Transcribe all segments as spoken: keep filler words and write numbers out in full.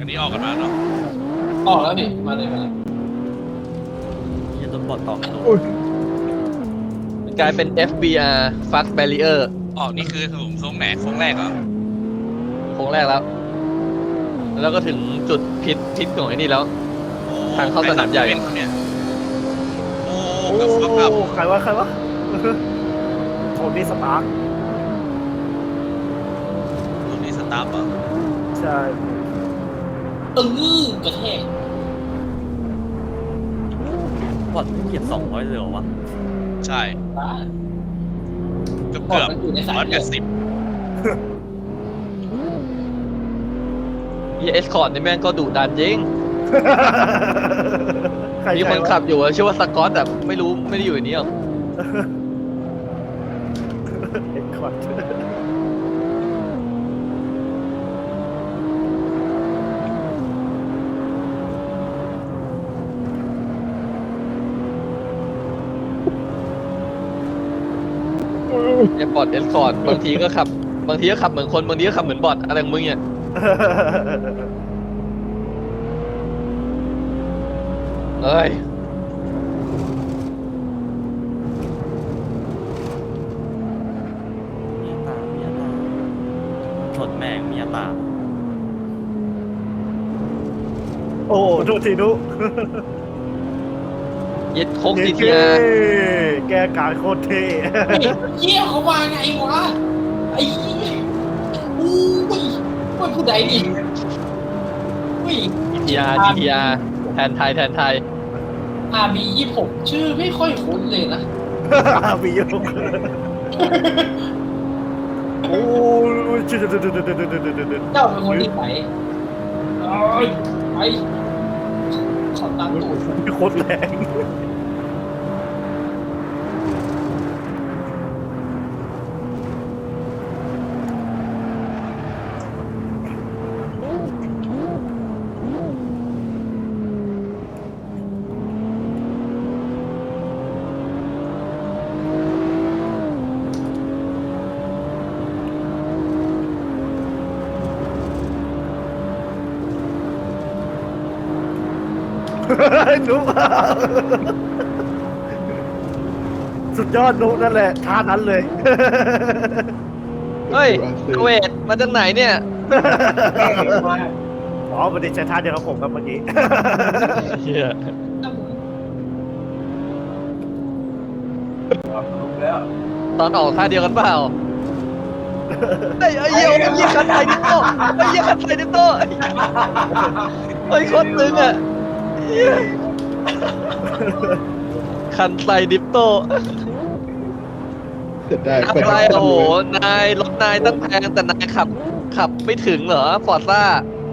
นี้ออกกันมาเนาะออกแล้วพี่มาเลยมาเลยยันโดนบอดต่อไม่โดนกลายเป็น เอฟ บี อาร์ Fuck Barrier ออกนี่คือผมโค้งไหนโค้งแรกเหรอโค้งแรกแล้ว แล้วก็ถึงจุดพิษพิษของไอ้นี่แล้ว ทางเข้าสนามใหญ่เนี่ยโอ้โอ้กับกับใครวะใครวะโทนี่สตาร์คตรงนี้สตาร์ทเหรอใช่ตึงกระแทกบอดเหยียบสองร้อยเลยเหรอวะใช่บ้าเกือบเกือบมันอยู่ในสายร้อยเลืแปอดดสิบเอสคอร์ดนี่แม่งก็ดุดันจริงใครมีคนใวะขับอยู่อะชื่อว่าสกอตแต่ไม่รู้ไม่ได้อยู่ในนี้หรอกเอ็กคอร์ดไอ้บอทเอสคอร์ดบางทีก็ขับบางทีก็ขับเหมือนคนบางทีก็ขับเหมือนบอทอะไรของมึงเนี่ยเอ้ยมีตามีตาชนแม่งมีตาโอ้โทษทีนุยึดโคกซีเย้เทียแกการโคตรเท่เหี้ยเขามาไงวะไอ้เหี้ยอู้ยว่าผู้ใดนี่อุ้ยจีทีอาร์จีทีอาร์แทนไทยแทนไทยอาร์บียี่สิบหกชื่อไม่ค่อยคุ้นเลยนะมีโยกโอ้ยจุดจุดจุดจุดจุดจุดจุดจุดจุดเจ้าเป็นคนที่ไหนเอ้ยไปขอตังค์ตูดโคตรแรง นุ๊กสุดยอดนุ๊กนั่นแหละท่านั้นเลยเฮ้ยเวทมาจากไหนเนี่ยอ๋อมันได้ใช้ท่าเดียวกับผมครับเมื่อกี้เฮียตอนออกท่าเดียวกันเปล่าไอ้ไอ้เหี้ยไอ้เหี้ยคันไทยดิโต้ไอ้เหี้ยคันไทยดิโต้ไอ้ยโคตรตึงอ่ะเหี้ยคันไทยดิโต้จะได้อะไรโอ้โหนายรถนายตั้งแพงแต่นายขับ ขับไม่ถึงเหรอฟอร์ซ่า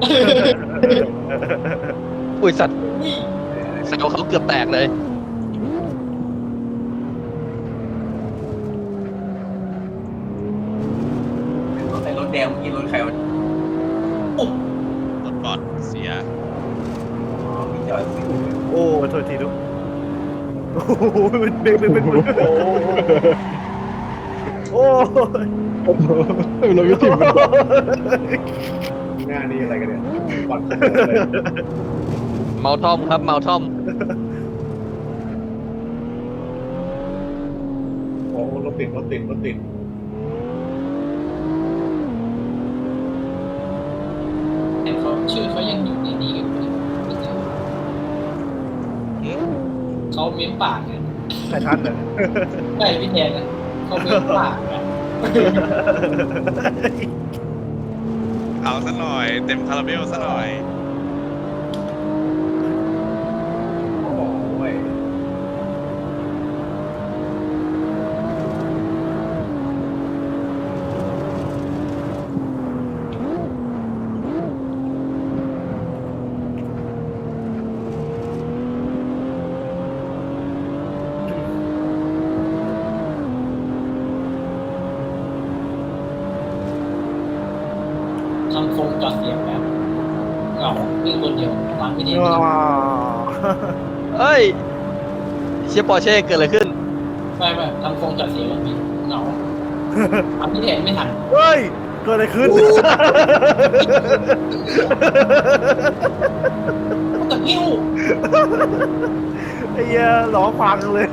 อุ้ยสัตว์แซวเขาเกือบแตกเลยไอ้รถแดงเมื่อกี้รถใครวะรถบอดเสียอ๋อพี่จอยซิ่งโอ้โทษทีนุ๊กโอ้โหเบรกเบรกเบรกเบรกโอ้ยเราไม่ถึงหน้านี่อะไรกันเนี่ยบอลเมาทอมครับเมาทอมโอ้รถติดรถติดรถติดแต่เขาชื่อเขายังอยู่ในนี้กันอยู่ไม่เจอเขาเม้มปากไงใครท่านเนี่ยใช่พี่แทนนะเขาเม้มปากไงเอาซะหน่อยเต็มคาราเบลซะหน่อยโอ้ยทำโครงจอดเสียงแบบเหงาวิ่งคนเดียวตามพี่แทนว้าวเอ้ยเชียปอร์เช่เกิดอะไรขึ้นไม่ไม่ทำโครงจอดเสียงแบบนี้เหงาตามพี่แทนไม่ทันเฮ้ยเกิดอะไรขึ้นตะกิ้วไอ้เหี้ยล้อพังเลย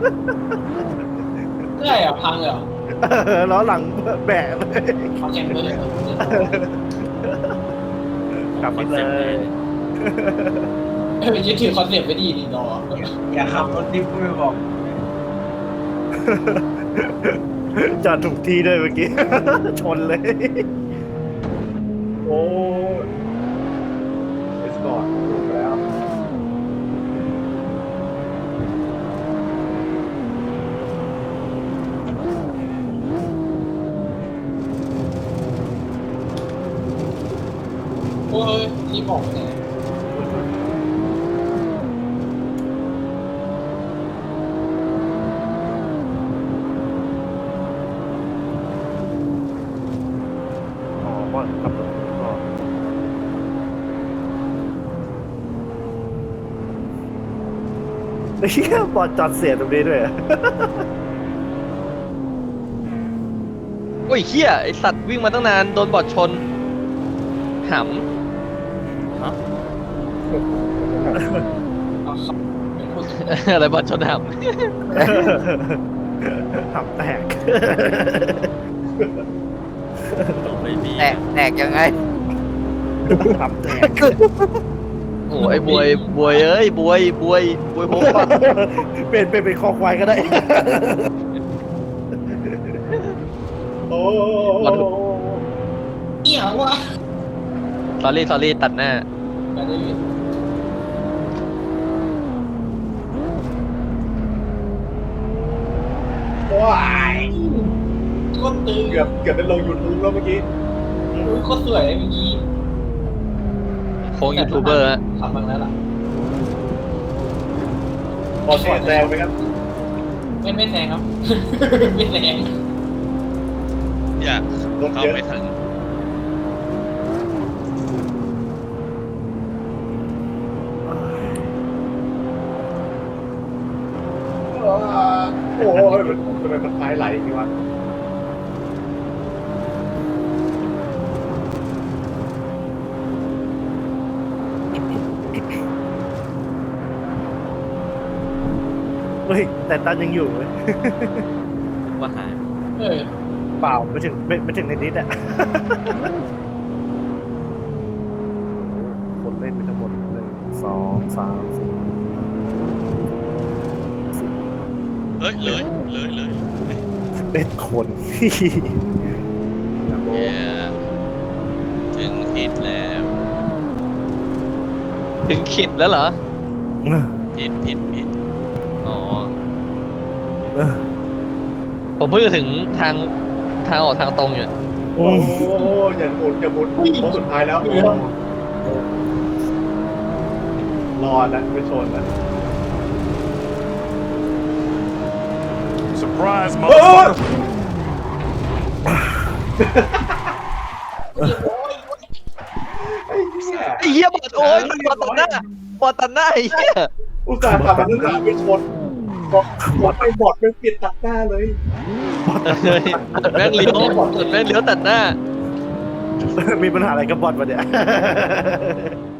เรื่อยอ่ะพังเลยเหรอล้อหลังแบะเลยพังแข่งเลยกลับไปเลยเออยึดถือคอนเซ็ปต์ไว้ดีดีรออย่าขับรถดิฟไม่บอกจอดถูกที่ด้วยเมื่อกี้ ชนเลยโอ้ยเอสกอร์ตถูกแล้วโอ้ยรีบบอกไปเลยอ๋อว่าขับรถก่อนไอ้เหี้ยบอดจอดเสียตรงนี้ด้วยอะโอ้ยเฮียไอสัตว์วิ่งมาตั้งนานโดนบอดชนหเอาครับเป็นคนำ อะไรบอดชนหขับแตกตกไม่มีแตกแตกยังไงขับแตกำโอ้ไอ้บวยบวยเอ้ยบวยบวยบวยโพกเป็นเป็นเป็นคอควายก็ได้โอ้เอี่ยวะสอรี่สอรี่ตัดหน้าไปได้เลยว้ายโคตรตึงเกือบเกือบเป็นลงยูทูบแล้วเมื่อกี้โอ้ยโคตรสวยเลยเมื่อกี้โค้งยูทูบเบอร์ฮะขับมาแล้วล่ะพอแข่งแรงไปครับไม่ไม่แซงครับ ไม่แซงอยากรถเข้าเยอะไม่ถึงโอ้ยมันทำไมมันท้ายไหลอย่างนี้วะเฮ้ยแต่ตันยังอยู่เว้ยว่าหายเออเปล่าไม่ถึงไม่ไม่ถึงในนิดอะ คนเล่นไปทั้งหมดหนึ่งสองสามสี่เลยเลยเลยเลยเอ็ดคนเย้ถึงผิดแล้วถึงขิดแล้วเหรอผิดผิดผิดอ๋อ ผมเพิ่งจะถึงทางทางออกทางตรงอยู่โอ้โหอย่าหมุนอย่าหมุนโค้งสุดท้ายแล้วรอนะไม่ชนนะ Surprise, โอ้ยโอ้ยไอ้เหี้ยไอ้เหี้ยบอดโอ้ยบอดตัดหน้าบอดตัดหน้าไอ้เหี้ยอุตส่าห์ทำมันตั้งนานไม่ชนบอกบอดไปบอดไปปิดตัดหน้าเลยเฮ้ยบอดแม่งเลี้ยวบอดแม่งเลี้ยวตัดหน้ามีปัญหาอะไรกับบอทวะเนี่ย